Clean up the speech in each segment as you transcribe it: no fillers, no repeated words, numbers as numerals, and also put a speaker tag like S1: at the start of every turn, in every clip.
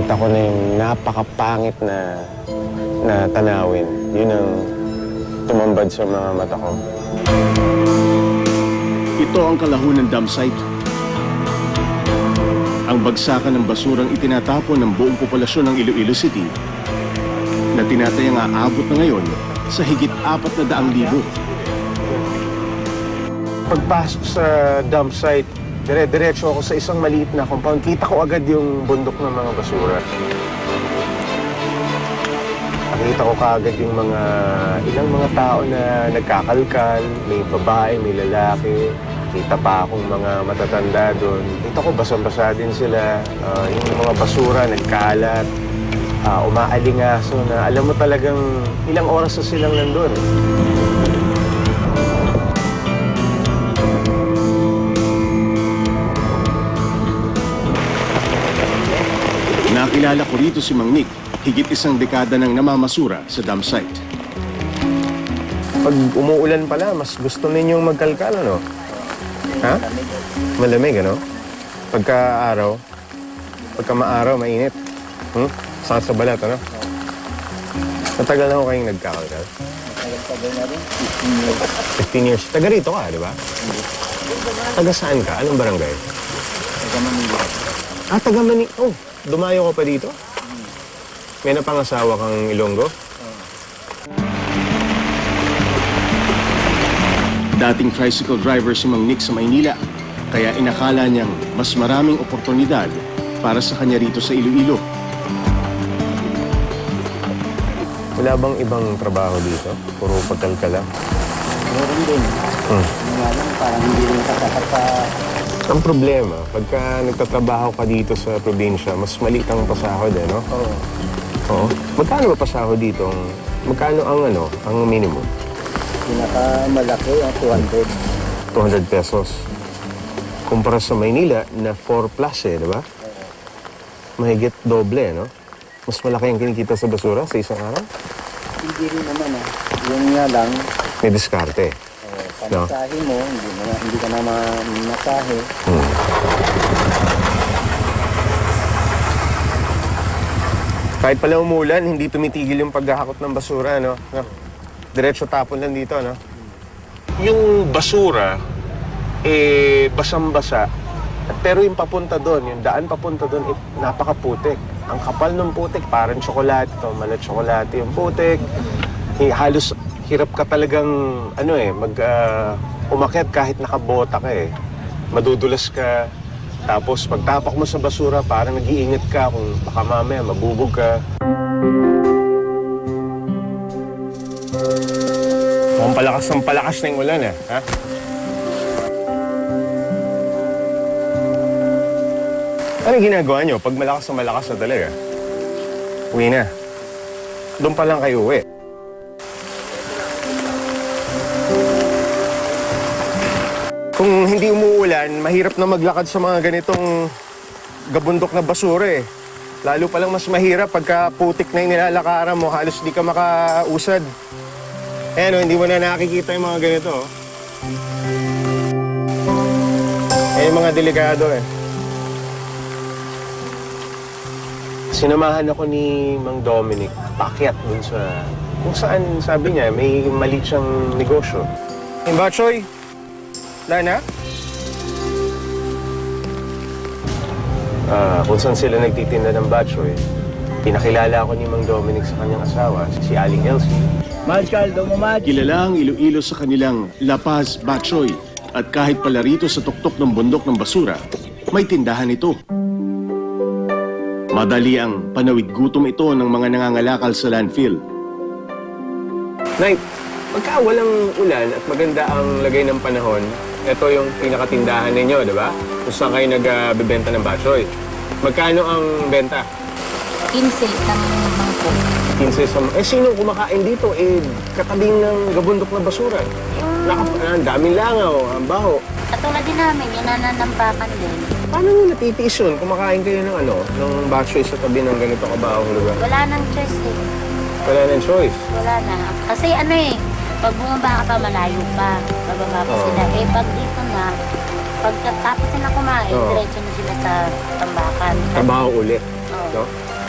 S1: nakita ko na yung napakapangit na tanawin. Yun ang tumambad sa mga mata ko.
S2: Ito ang Kalahunan Dam Site. Ang bagsakan ng basurang itinatapon ng buong populasyon ng Iloilo City na tinatayang aabot na ngayon sa higit 400,000.
S1: Pagpasok sa dump site, dire-diretso ako sa isang maliit na compound. Kita ko agad yung bundok ng mga basura. Nakita ko kaagad yung ilang mga tao na nagkakalkal, may babae, may lalaki. Kita pa akong mga matatanda doon. Kita ko basang-basa din sila. Yung mga basura nagkalat, umaalingaso na alam mo talagang ilang oras na silang nandun.
S2: Nakilala ko rito si Mang Nick, higit isang dekada nang namamasura sa dam site.
S1: Pag umuulan pala, mas gusto ninyong magkalkal, ano? Ha? Malamig, ano? Pagka maaraw, mainit. Sakit sa balat, ano? Matagal na ako kayong nagkakalkal?
S3: Matagal na rin,
S1: 15 years. Taga rito ka, di ba? Taga saan ka? Anong barangay?
S3: taga Manila.
S1: Taga Manila. Oh, dumayo ka pa dito? May napangasawa kang Ilonggo?
S2: Dating tricycle driver si Mang Nick sa Maynila, kaya inakala niyang mas maraming oportunidad para sa kanya rito sa Iloilo.
S1: Wala bang ibang trabaho dito? Puro pagkalkal lang?
S3: Meron din. Nga lang, parang hindi rin katapat sa...
S1: Ang problema, pagka nagtatrabaho ka dito sa probinsya, mas maliit ang pasahod, eh, no?
S3: Oo.
S1: Oo. Magkano ba pasahod dito? Magkano ang minimum?
S3: Pinakamalaki ang 200.
S1: 200 pesos. Kumpara sa Maynila na 4 plus, eh, di ba? Mahigit doble, no? Mas malaki ang kinikita sa basura sa isang araw?
S3: Hindi rin naman Yung nga lang,
S1: May diskarte.
S3: pamasahe mo, hindi ka na mamasahe.
S1: Kahit pala umulan, hindi tumitigil yung paghahakot ng basura, no? Diretso tapon lang dito, no? Yung basura, basang-basa. Pero yung papunta doon, yung daan papunta doon, napakaputik. Ang kapal ng putik, parang tsokolate to, malat tsokolate yung putik. Halos hirap ka talagang, umakyat kahit nakabota ka, eh. Madudulas ka. Tapos pagtapak mo sa basura, parang nag-iingat ka kung baka mamaya mabubog ka. Mukhang palakas na yung ulan, eh. Ha? Ano ginagawa nyo pag malakas na talaga? Uwi na. Doon pa lang kayo uwi. Kung hindi umuulan, mahirap na maglakad sa mga ganitong gabundok na basura, eh. Lalo palang mas mahirap pagka putik na yung nilalakaran mo, halos di ka makausad. Ayan, hindi mo na nakikita yung mga ganito. Ayan yung mga delikado, eh. Sinamahan ako ni Mang Dominic, paakyat dun sa... Kung saan, sabi niya, may mali siyang negosyo. Batchoy, Lana? Kung saan sila nagtitinda ng batchoy, pinakilala ako ni Mang Dominic sa kanyang asawa, si Aling Elsie.
S2: Kilala ang Iloilo sa kanilang La Paz Batchoy at kahit pala rito sa tuktok ng bundok ng basura, may tindahan ito. Madali ang panawid gutom ito ng mga nangangalakal sa landfill.
S1: Nay, pagka walang ulan at maganda ang lagay ng panahon, ito yung pinakatindahan ninyo, di ba? Kung saan kayo nagbebenta ng batchoy. Magkano ang benta?
S4: 15 ng mangkok.
S1: 15 sa... Sino kumakain dito? Katabing ng gabundok na basura. Ang daming langaw, ang baho.
S4: Katulad din namin, yung nananampakan din.
S1: Paano mo natitiis yun? Kumakain kayo ng batchoy sa tabi ng ganito kabahong lugar?
S4: Wala nang choice eh.
S1: Wala nang choice.
S4: Wala na. Kasi pag bumaba ka pa, malayo pa. Bababa pa sila. Pag dito na, pagkatapos sila kumain, diretso na sila sa tambakan.
S1: Trabaho ulit.
S4: Oo.
S1: No?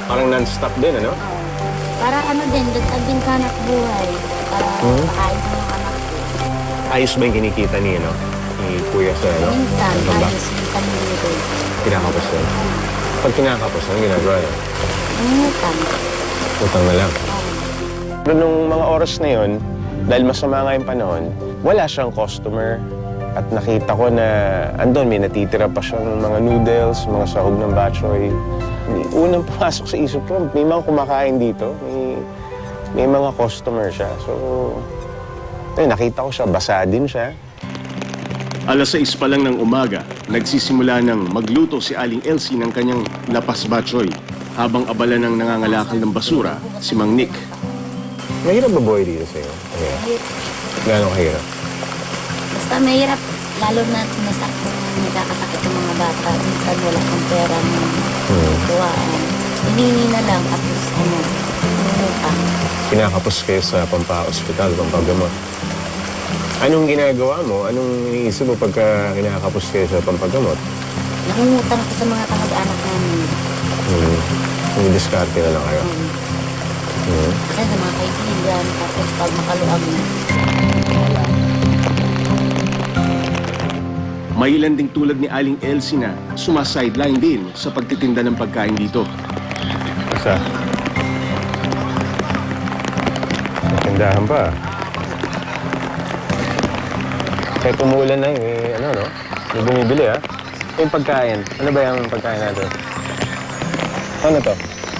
S1: Parang non-stop din, ano?
S4: Oo. Para ano din, dagdag din ka anak buhay. Para makain sa mga anak ko.
S1: Ayos ba yung kinikita ni, ano? Ni Kuya sa, ano?
S4: Minsan,
S1: Sa baba?
S4: ayos, minsan hindi.
S1: Kinakapos na. Pag kinakapos na, ginagawa na.
S4: Minsan.
S1: Utang na lang.
S4: Oo.
S1: Pero nung mga oras na yun, dahil masama nga yung panahon, wala siyang customer. At nakita ko na andun, may natitira pa siyang mga noodles, mga sahog ng bok choy. Unang pumasok sa isip ko, may mga kumakain dito. May mga customer siya. So, nakita ko siya, basa din siya.
S2: Alas 6 pa lang ng umaga, nagsisimula ng magluto si Aling Elsie ng kanyang lapas batchoy habang abala ng nangangalakal ng basura si Mang Nick.
S1: Mahirap ba buhay dito sa'yo? Mahirap. Gano'ng kahirap?
S4: Basta mahirap, lalo na nasakto nagkakasakit ng mga bata. Minsan wala kang pera ng tuwaan. Hinihingi na lang, tapos umutang.
S1: Kinakapos kayo sa pampa-hospital, pampagamot. Anong ginagawa mo? Anong iniisip mo pagka kinakapos kayo sa pampagamot?
S4: Nangungutang ako sa mga kamag-anak namin.
S1: Diskarte na lang kayo.
S4: Kasi sa mga kaibigan, tapos pag makaluag na, wala.
S2: May ilan ding tulad ni Aling Elsie na sumasideline din sa pagtitinda ng pagkain dito.
S1: Isa. May tindahan pa. Kaya tumulan na ano, no? May bumibili, ha? Yung pagkain. Ano ba yung pagkain natin? Ano to?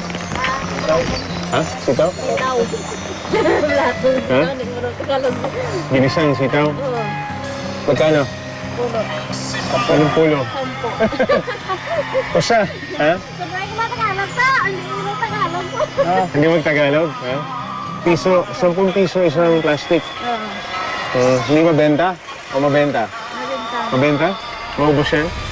S1: Ha? Sitaw?
S4: Sitaw.
S1: Ha? Ginisang sitaw? Magkano?
S4: Pulo.
S1: Anong pulo?
S4: 10.
S1: Kusa? Ha?
S4: Sabay ko Tagalog to. Hindi mo Tagalog po.
S1: Hindi magtagalog? Ha? Piso, 10 piso isang plastic.
S4: Oo.
S1: Hindi mabenta? O mabenta?
S4: Nabenta.
S1: Mabenta? Maubos yan?